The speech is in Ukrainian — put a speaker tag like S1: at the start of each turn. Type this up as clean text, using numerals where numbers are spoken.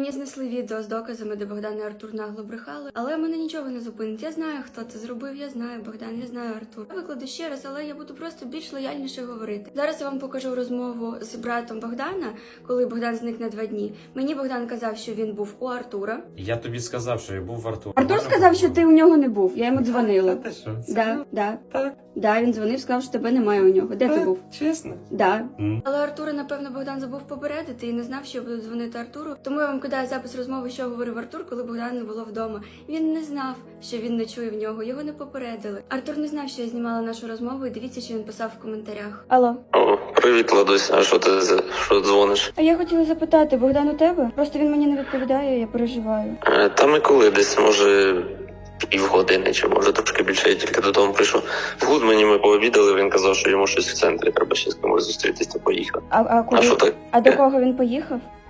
S1: Мені знесли відео з доказами, де Богдан і Артур нагло брехали, але мене нічого не зупинить. Я знаю, хто це зробив, я знаю Богдан, я знаю Артур. Я викладу ще раз, але я буду просто більш лояльніше говорити. Зараз я вам покажу розмову з братом Богдана, коли Богдан зник на 2 дні. Мені Богдан казав, що він був у Артура.
S2: Я тобі сказав, що я був в Артура.
S1: Артур сказав, що ти у нього не був. Я йому дзвонила.
S2: Та ти що?
S1: Да.
S2: Так.
S1: Да, він дзвонив, сказав, що тебе немає у нього. Де ти був?
S2: Чесно?
S1: Да.
S2: Mm.
S1: Але Артура, напевно, Богдан забув попередити і не знав, що я буду дзвонити Артуру. Тому я вам кидаю запис розмови, що говорив Артур, коли Богдан не було вдома. Він не знав, що він не чує в нього, його не попередили. Артур не знав, що я знімала нашу розмову, і дивіться, що він писав в коментарях. Алло.
S3: О, привіт, Ладусь. А що ти дзвониш?
S1: А я хотіла запитати, Богдан у тебе? Просто він мені не відповідає, я переживаю.
S3: Та ми коли десь, може, півгодини, чи може трошки більше, я тільки додому прийшов. В Гудмані ми пообідали, він казав, що йому щось в центрі, треба ще з кимось зустрітися, поїхав.
S1: А куди?
S3: А що так?
S1: А до кого він поїхав?